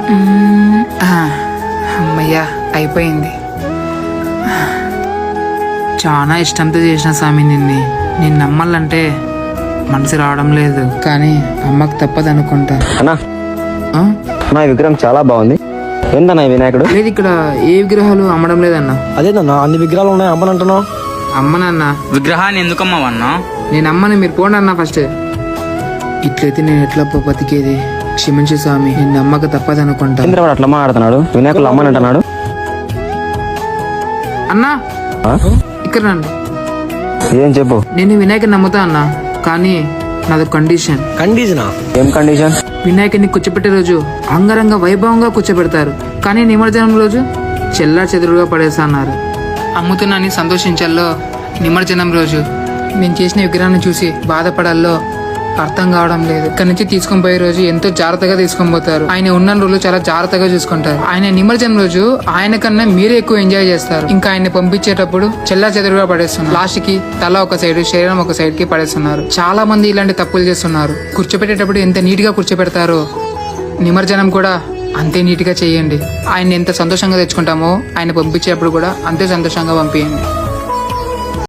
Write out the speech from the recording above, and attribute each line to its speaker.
Speaker 1: అమ్మయ్యా అయిపోయింది. చాలా ఇష్టంతో చేసిన స్వామి నిన్ను నమ్మాలంటే మనసు రావడం లేదు, కానీ అమ్మకు తప్పదు అనుకుంటా.
Speaker 2: అన్నా నా విగ్రహం చాలా బాగుంది. ఏందన్నా ఈ వినాయకుడు?
Speaker 1: లేదు, ఇక్కడ ఏ విగ్రహాలు అమ్మడం లేదన్నా.
Speaker 3: అదేనన్నా అన్ని విగ్రహాలు ఉన్నాయి, అమ్మనంటున్నావు?
Speaker 1: అమ్మనన్నా.
Speaker 4: విగ్రహాన్ని ఎందుకు అమ్మవన్నా?
Speaker 1: నేను అమ్మని, మీరు పోండి అన్నా ఫస్ట్. ఇట్లయితే నేను ఎట్లా బతికేది? క్షమించు స్వామి, నిన్ను అమ్మక తప్పదు అనుకుంటా.
Speaker 2: చంద్రవాడు అట్లా మాట్లాడుతున్నాడు, వినాయకుడు అమ్మనంటున్నాడు.
Speaker 1: అన్నా ఇక్కడ రండి.
Speaker 2: ఏం చెప్పు.
Speaker 1: నేను వినాయకుని నమ్ముతా అన్నా, కానీ నాది కండిషన్.
Speaker 3: కండిషనా?
Speaker 2: ఏం కండిషన్?
Speaker 1: వినాయకుడిని కూర్చోపెట్టే రోజు అంగరంగ వైభవంగా కూర్చోబెడతారు, కానీ నిమజ్జనం రోజు చెల్లా చెదురుగా పడేస్తా అన్నారు. అమ్ముతున్నాని సంతోషించాలో, నిమజ్జనం రోజు నేను చేసిన విగ్రహాన్ని చూసి బాధపడాలో అర్థం కావడం లేదు. ఇక్కడ నుంచి తీసుకొని పోయే రోజు ఎంతో జాగ్రత్తగా తీసుకొని పోతారు. ఆయన ఉన్న రోజులు చాలా జాగ్రత్తగా చూసుకుంటారు. ఆయన నిమజ్జనం రోజు ఆయన కన్నా మీరే ఎక్కువ ఎంజాయ్ చేస్తారు. ఇంకా ఆయన పంపించేటప్పుడు చెల్లా చెదురుగా పడేస్తున్నారు. లాస్ట్ కి తల ఒక సైడ్, శరీరం ఒక సైడ్ కి పడేస్తున్నారు. చాలా మంది ఇలాంటి తప్పులు చేస్తున్నారు. కూర్చోపెట్టేటప్పుడు ఎంత నీట్ గా కూర్చోపెడతారో నిమజ్జనం కూడా అంతే నీట్ గా చేయండి. ఆయన ఎంత సంతోషంగా తెచ్చుకుంటామో ఆయన పంపించేటప్పుడు కూడా అంతే సంతోషంగా పంపించండి.